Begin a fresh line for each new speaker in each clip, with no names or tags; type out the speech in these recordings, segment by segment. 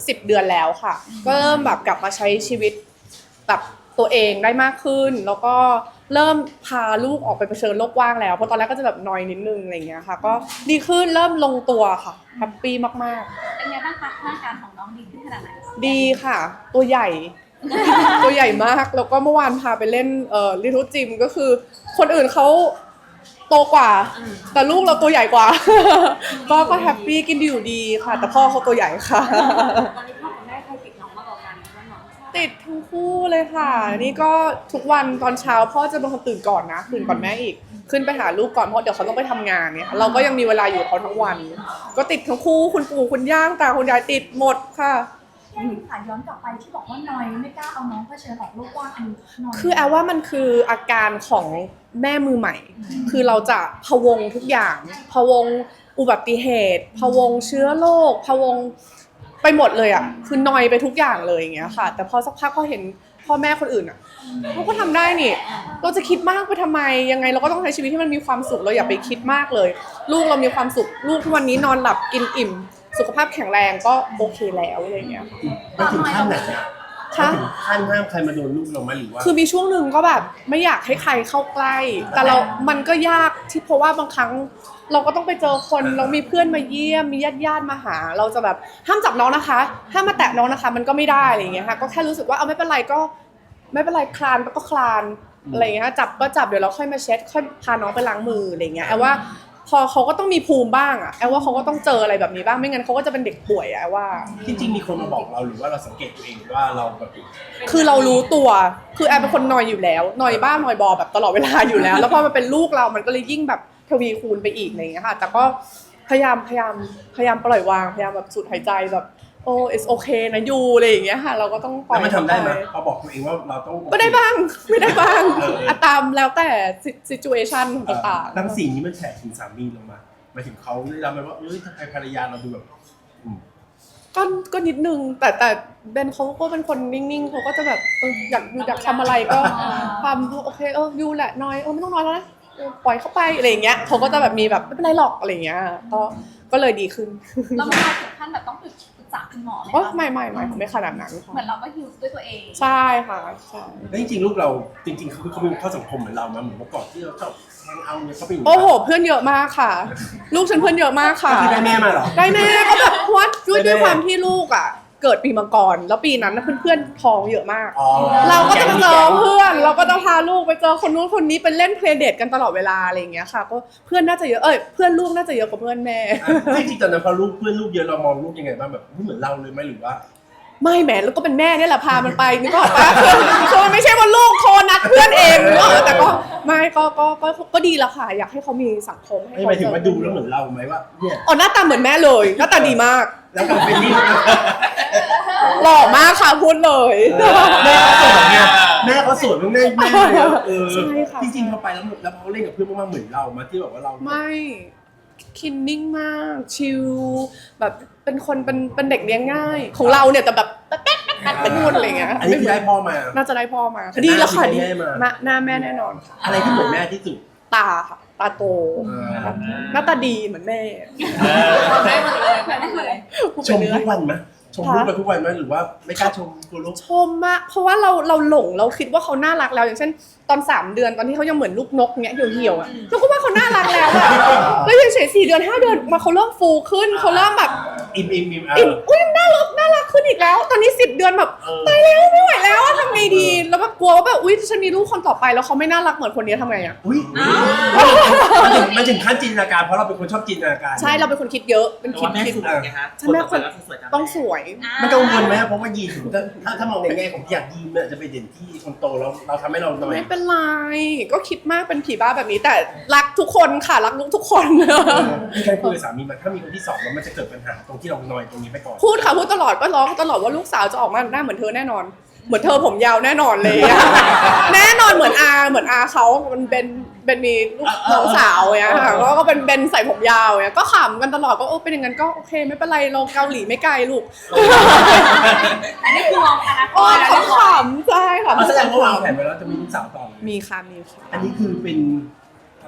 10 เดือนแล้วค่ะก็เริ่มแบบกลับมาใช้ชีวิตแบบตัวเองได้มากขึ้นแล้วก็เริ่มพาลูกออกไปเผชิญโลกกว้างแล้วเพราะตอนแรกก็จะแบบนอยนิดนึงอะไรอย่างเงี้ยค่ะก็ดีขึ้นเริ่มลงตัวค่ะแฮปปี้มากๆ
เป็นไงบ้างคะร่างกายของน้องดีขึ้นขนาดไหน
ดีค่ะตัวใหญ่ ตัวใหญ่มากแล้วก็เมื่อวานพาไปเล่นลิทูจิมก็คือคนอื่นเขาโตกว่าแต่ลูกเราตัวใหญ่กว่า ก็แฮปปี้กินดีอยู่ดีค่ะแต่พ่อเขาตัวใหญ่ค่ะ
ตอนนี้พ่อกับแม่ใครติดน้องมากกว่ากันว่าน้องชอบ
ติดทั้งคู่เลยค่ะนี่ก็ทุกวันตอนเช้าพ่อจะเป็นคนตื่นก่อนนะตื่นก่อนแม่อีกขึ้นไปหาลูกก่อนเพราะเดี๋ยวเขาต้องไปทำงานเนี่ยเราก็ยังมีเวลาอยู่กับเขาทั้งวัน ก็ติดทั้งคู่คุณปู่คุณย่าตาคุณยายติดหมดค่ะ
แค่ที่ผ่านย้อนกลับไปที่บอกว่านอยไม่กล้าเอาน้องเผชิญออกโลกกว้างอันนี้นอย
คือแอลว่ามันคืออาการของแม่มือใหม่คือเราจะพะวงทุกอย่างพะวงอุบัติเหตุพะวงเชื้อโรคพะวงไปหมดเลยอ่ะคือนอยไปทุกอย่างเลยอย่างเงี้ยค่ะแต่พอสักพักพอเห็นพ่อแม่คนอื่นอ่ะเขาก็ทำได้นี่เราจะคิดมากไปทำไมยังไงเราก็ต้องใช้ชีวิตที่มันมีความสุขเราอย่าไปคิดมากเลย ลูกเรามีความสุขลูกทุกวันนี้นอนหลับกินอิ่มสุขภาพแข็งแรงก็โอเคแล้วอะไรเงี้ย
ไม่ถึงขั้นไหนนะ
ค่ะ
ถึงขั้นห้ามใครมาโดนลูกเราไหมหรือว่า
คือมีช่วงหนึ่งก็แบบไม่อยากให้ใครเข้าใกล้ แต่มันก็ยากที่เพราะว่าบางครั้งเราก็ต้องไปเจอคนเรามีเพื่อนมาเยี่ยมมีญาติมาหาเราจะแบบห้ามจับน้องนะคะห้ามมาแตะน้องนะคะมันก็ไม่ได้อะไรอย่างเงี้ยค่ะก็แค่รู้สึกว่าเอาไม่เป็นไรก็ไม่เป็นไรคลานก็คลานอะไรอย่างเงี้ยจับก็จับเดี๋ยวเราค่อยมาเช็ดค่อยพาน้องไปล้างมืออะไรอย่างเงี้ยแอลว่าพอเขาก็ต้องมีภูมิบ้างอะแอลว่าเขาก็ต้องเจออะไรแบบนี้บ้างไม่งั้นเขาก็จะเป็นเด็กป่วยอะว่า
ที่จริงมีคนมาบอกเราหรือว่าเราสังเกตตัวเองว่าเราแบบ
คือเรารู้ตัวคือแอลเป็นคนนอยอยู่แล้วนอยบ้านอยบอแบบตลอดเวลาอยู่แล้วแล้วพอมันเป็นลูกเรามันก็เลยยิ่งแบบทวีคูณไปอีกอะไรอย่างเงี้ยค่ะแต่ก็พยายามปล่อยวางพยายามแบบสูดหายใจแบบโอ้ it's okay นะยูอะไรอย่างเงี้ยค่ะเราก็ต้องปล่อย
แล้วมันทำได้ไหมพอบอกตัวเองว่าเราต้อง
ก็ได้บ้างไม่ได้บ้างตามแล้วแต่ situation ต่างๆ
ทั้งสิ่งนี้มันแฉถึงสามีลงมาหมายถึงเขาได้รับไหมว่าทำไมภรรยาเราดูแบบ
ก็นิดนึงแต่เบนเขาก็เป็นคนนิ่งๆเขาก็จะแบบอยากทำอะไรก็ทำโอเคยูแหละน้อยไม่ต้องน้อยแล้วนะปล่อยเข้าไปอะไรอย่างเงี้ยเขาก็จะแบบมีแบบไม่เป็นไรหรอกอะไรอย่างเงี้ยก็เลยดีขึ้น
เราไม่ถึงขั้นแบบต้องปรึกษาคุณหมอไหมคะ
ไม่ขนาดนั้น
เหมือนเราก็ฮิลด้วยตัวเอง
ใช่ค่ะใช่
แล้วจริงๆลูกเราจริงๆเขามีเข้าสังคมเหมือนเรานะเหมือนเมื่อก่อนที่เราชอบแฮงเอาเนี่ยเขาเป็น
โอ้โหเพื่อนเยอะมากค่ะลูกฉันเพื่อนเยอะมากค่ะ
ได้แม่มาเหรอ
ได้แม่ก็แบบเพราะว่าด้วยความที่ลูกอ่ะเกิดปีมังกรแล้วปีนั้นเพื่อนๆท้องเยอะมากเราก็จะไปเจอเพื่อนเราก็จะพาลูกไปเจอคนนู้นคนนี้ไปเล่นเพลย์เดทกันตลอดเวลาอะไรอย่างเงี้ยค่ะก็เพื่อนน่าจะเยอะเพื่อนลูกน่าจะเยอะกว่าเพื่อนแม่
จริงๆตอนนั้นพอเพื่อนลูกเยอะเรามองลูกยังไงบ้างแบบเหมือนเราเลยไหมหรือว่า
ไม่แหมแล้วก็เป็นแม่เนี่ยแหละพามันไปนึกออกปะคือมันไม่ใช่ว่าลูกโทรนัดเพื่อนเองนึกออกแต่ก็ไม่ก็ดีแล้วค่ะอยากให้เขามีสังคมให้
หมายถึงว่าดูแล้วเหมือนเราไหมว่าเนี่ย
หน้าตาเหมือนแม่เลยหน้าตาดีมาก
แล้วก็เป็นนี่
หล่อมากค่ะพูดเลย
แม่เขาสวยมากแม่
ใช่ค่ะ
จริงๆพอไปแล้วเขาเล่นกับเพื่อนมากๆเหมือนเรามาที่แบบว่าเรา
ไม่คินนิ่งมากชิลแบบเป็นคนเป็นเด็กเลี้ยงง่ายของเราเนี่ยแต่แบบแป๊ดเป็นนู่นอะไรเงี้ย
อันนี้คือได้พ่อมา
น่าจะได้พ่อมาดีแล้วค่ะดีหน้าแม่แน่นอนค่ะ
อะไรที่เหมือนแม่ที่สุด
ตาค่ะตาโตหน้าตาดีเหมือนแม่
ได้หมดเลย
ชมทุกวันไหมชมลูกเราทุกวันไหมหรือว่าไม่กล้าชมตัวลูก
ชมมากเพราะว่าเราหลงเราคิดว่าเขาน่ารักแล้วอย่างเช่นตอน3 เดือนตอนที่เขายังเหมือนลูกนกเงี้ยเหี่ยวๆอ่ะเราก็ว่าเขาน่ารักแล้วอะแล้วยังเฉย4 เดือน5 เดือนมาเขาเริ่มฟูขึ้นเขาเริ่มแบบ
อิ่ม
อุ้ยน่ารักขึ้นอีกแล้วตอนนี้10 เดือนแบบตายแล้วไม่ไหวแล้วทำไงดีแล้วแบบกลัวว่าแบบอุ้ยฉันมีลูกคนต่อไปแล้วเขาไม่น่ารักเหมือนคนนี้ทำไงอ่ะ
มันถึงขั้นจินตนาการเพราะเราเป็นคนชอบจินตนาการ
ใช่เราเป็นคนคิดเยอะเป็นคิดใช่แม่คนต้องสวย
มันกังวลไหมเพราะว่ายีนถ้ามองในแง่ของที่อยากยีนเนี่ยจะไปเด่นที่คนโตแล้วเราทำให้เราหน่อย
ไม่เป็นไรก็คิดมากเป็นผีบ้าแบบนี้แต่รักทุกคนค่ะรักลูกทุกคน
มีใครคุยกับสามีมันถ้ามีคนที่2แล้วมันจะเกิดปัญหาตรงที่เราหน่อยตรงนี้ไปก่อน
พูดค่ะพูดตลอดก็ร้องตลอดว่าลูกสาวจะออกมาหน้าเหมือนเธอแน่นอนเหมือนเธอผมยาวแน่นอนเลยแน่นอนเหมือนอาเขามันเป็นมีลูกน้องสาวเนี่ยค่ะก็เป็นใส่ผมยาวเนี่ยก็ขำกันตลอดก็เป็นอย่างนั้นก็โอเคไม่เป็นไรเราเกาหลีไม่ไกลลูก
อันนี้คือมองอนาคต
เขาขำใช่ค่ะ
แสดงว่าวางแผนไว้แล้วจะมีลูกสาวต่อ
มีค่ะ
อันนี้คือเป็น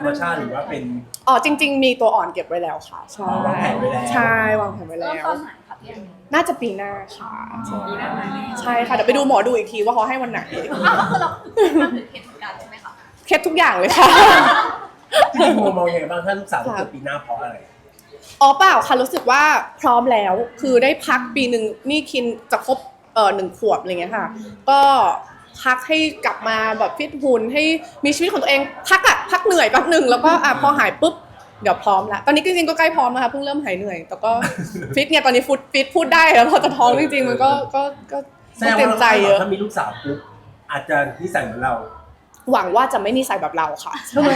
รรมชาติหรือว่าเป็น
อ๋อจริง ๆ มีตัวอ่อนเก็บไว้แล้วค่ะใช่
วางแผนไว้แล้ว
ใช่วางแผนไว้
เริ่
แล้
ม
ว
ตอนไหนคะพี่แอน
น่าจะปีหน้าค่ะใช่
ปีหน้าไหม
ใช่ค่ะเดี๋ยวไปดูหมอดูอีกทีว่าเขาให้วันไหน
อ้าวก็คือเราทำถึงเหตุการณ์ใช่ไหมคะ
เคล็ดทุกอย่างเลยค่ะ
จริงๆมองยังไงบ้างถ้าลูกสาวจะเกิดปีหน้าเพราะอะไร
อ๋อเปล่าค่ะรู้สึกว่าพร้อมแล้วคือได้พักปีหนึ่งนี่คินจะครบ1 ขวบอะไรเงี้ยค่ะ ก็พักให้กลับมาแบบฟิตหุ่นให้มีชีวิตของตัวเองพักเหนื่อยแป๊บหนึ่งแล้วก็พอหายปุ๊บเดี๋ยวพร้อมละตอนนี้จริงๆก็ใกล้พร้อมแล้วค่ะเพิ่งเริ่มหายเหนื่อยแต่ก็ฟิตเนี่ยตอนนี้ฟิตพูดได้แล้วพอจะท้องจริงๆมันก็เตรียมใจเยอะ
ถ้ามีลูกสาวปุ๊บอาจจะนิสัยเหมือนเรา
หวังว่าจะไม่นิสัยแบบเราค่ะ
ทำไม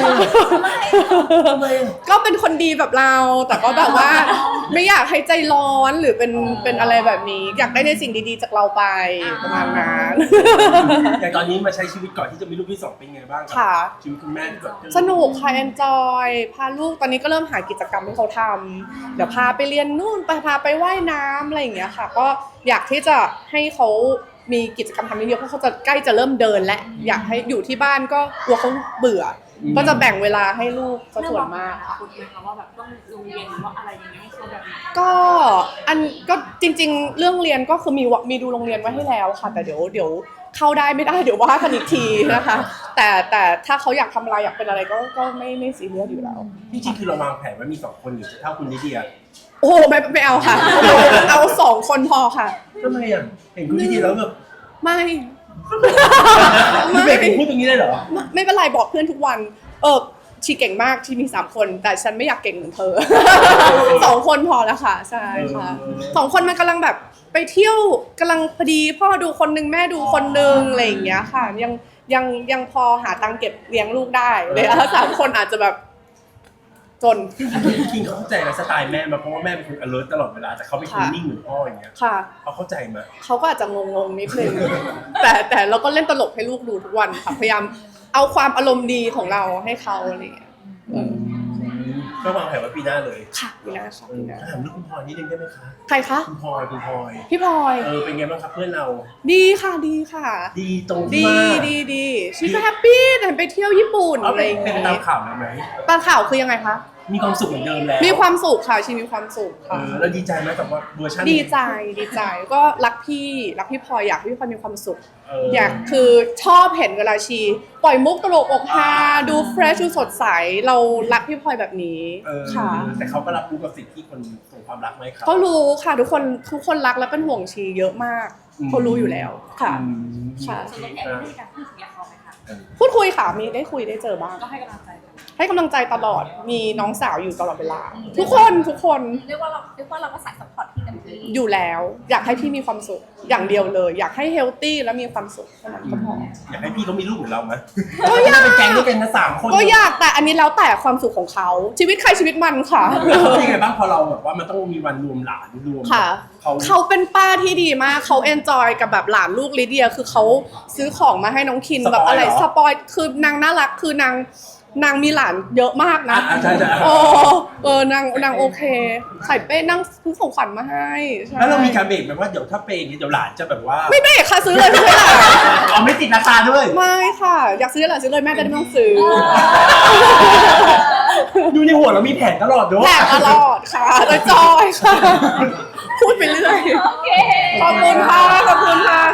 ก็เป็นคนดีแบบเราแต่ก็แบบว่าไม่อยากให้ใจร้อนหรือเป็นอะไรแบบนี้ อยากได้ในสิ่งดีๆจากเราไปประมาณนั้น
อย่างตอนนี้มาใช้ชีวิตก่อนที่จะมีลูกที่ 2เป็นไงบ้าง
ค่ะ
ชีวิตคุณแม่ที่เกิดขึ้น
สนุกค่ะ enjoy พาลูกตอนนี้ก็เริ่มหากิจกรรมให้เขาทำเดี๋ยวพาไปเรียนนู่นพาไปว่ายน้ำอะไรอย่างเงี้ยค่ะ ก็อยากที่จะให้เขามีกิจกรรมทำเยอะๆเพราะเขาจะใกล้จะเริ่มเดินและอยากให้อยู่ที่บ้านก็กลัวเขาเบื่ออก็จะแบ่งเวลาให้ลูกซะส่วนมากค่ะ
คุณไหมคะว่าแบบต้องโรงเรียนหรือว่าอะไรอย่างเงี้ยให้เขาแบบไหน
ก็จริงๆ เรื่องเรียนก็คือมีดูโรงเรียนไว้ให้แล้วค่ะ แต่เดี๋ยวเข้าได้ไม่ได้เดี๋ยวว่ากันอีกทีนะคะ แต่ถ้าเขาอยากทำอะไรอยากเป็นอะไรก็ไม่ซีเรียสอยู่แล้ว
ที่จริงคือเราวางแผนไว้มี2คนหรือจะเท่าคุณลิเดีย
โอ้ไม่เอาค่ะ เอา2 คนพอค่ะ
ทำไมอ่ะเห็นคุณลิเดียแล้วแบบ
ไม่
พี่เบย์พูดตรงนี้ได้เหรอ
ไม่เป็นไรบอกเพื่อนทุกวันชีเก่งมากชีมี3 คนแต่ฉันไม่อยากเก่งเหมือนเธอ 2 คนพอแล้วค่ะใช่ค่ะ2 คนมันกำลังแบบไปเที่ยวกำลังพอดีพ่อดูคนนึงแม่ดูคนนึงอะไรอย่างเงี้ยค่ะยังพอหาตังค์เก็บเลี้ยงลูกได้เลย3 คนอาจจะแบบจน
คิงเขาเข้าใจสไตล์แม่มาเพราะว่าแม่เป็นคน alert ตลอดเวลาแต่เขาเป็นคนนิ่งเหมือนพ่ออย่างเงี้ย
ค่ะ
เขาเข้าใจไหม
เขาก็อาจจะงงๆนิดนึง แต่เราก็เล่นตลกให้ลูกดูทุกวันค่ะพยายามเอาความอารมณ์ดีของเราให้เขาอะไรอย่างเงี้ย
ก็วางแผนไว้ปีหน้าเลย
ค่ะปีหน้าค่ะปีหน้า
ถามเรื่องคุณพลอยนิดนึงได้ไหมคะ
ใครคะ
คุณพลอย
พี่พลอย
เป็นไงบ้างครับเพื่อนเรา
ดีค่ะดีค่ะ
ดีตรงที่
ดี
ว่า
ดีชีวิตก็แฮปปี้แต่ไปเที่ยวญี่ปุ่น
เอา
อะไร
เป็น
อย่าง
ตาม
เงี้ย
ข่าวแล้วไหม
ตามข่าวคือยังไงคะ
มีความสุขเหมือนเดิมแล้ว
มีความสุขค่ะชีมีความสุขค่ะ
แล้วดีใจไหมกับว่าเวอร์ชัน
ดีใจก็รักพี่พลอยอยากให้พี่พลอยมีความสุข
อ
อยากคือชอบเห็นเวลาชีปล่อยมุกตลกอกฮาดูเฟรชดูสดใสเรารักพี่พลอยแบบนี้ค่ะ
แต่เขาก็รับรู้กับสิ่งที่คนส่งความรักไหมครับ
เขารู้ค่ะทุกคนรักและเป็นห่วงชีเยอะมากเขารู้อยู่แล้วค่ะ ค่ะ
ส่วนตัวพี่แอนได้มีการพูดคุยกับเขาไหมคะ
พูดคุยค่ะมีได้คุยได้เจอบ้าง
ก็ให้กำลังใจกัน
ให้กำลังใจตลอดมีน้องสาวอยู่ตลอดเวลา ทุกคน
เรียกว่าเราก็สายซัพพอร์ตที่เต็มที่
อยู่แล้ว อยากให้พี่มีความสุขอย่างเดียวเลย อยากให้เฮลตี้และมีความสุขเท่านั้นก็พอ
อยากให้พี่เขามีลูกเหมือนเราไหม
ก็อยาก
เป็นแก๊งด้วยกันนะ3 คน
ก็อยากแต่อันนี้แล้วแต่ความสุขของเขาชีวิตใครชีวิตมันค่ะ
เขาเป็นยังไงบ้างพอเราแบบว่ามันต้องมีวันรวมหลานรวม
ค่ะ
เขา
เขาเป็นป้าที่ดีมากเขาเอนจอยกับแบบหลานลูกลิเดียคือเขาซื้อของมาให้น้องคินแบบอะไรสปอยคือนางน่ารักคือนางมีหลานเยอะมากนะ
ใช่
นางโอเค ใส่เป้นั่งซื้อของขวัญมาให้ใช่
แล้วเรามีการเบรกแบบว่าเดี๋ยวถ้าเปย์อย่างนี้เดี๋ยวหลานจะแบบว่า
ไม่เบรกค่ะซื้อเลยซื้อเลย
อ๋อไม่ติดราคาด้วย
ไม่ค่ะ อยากซื้ออะไรซื้อเลยแม่จะได้ไม่ต้องซื้อ
ดูในหัวเรามีแผนตลอดด้วย
แหลกตลอดค่ะจอยๆค่ะ พูดไปเรื่อย
โอเค
ขอบคุณค่ะ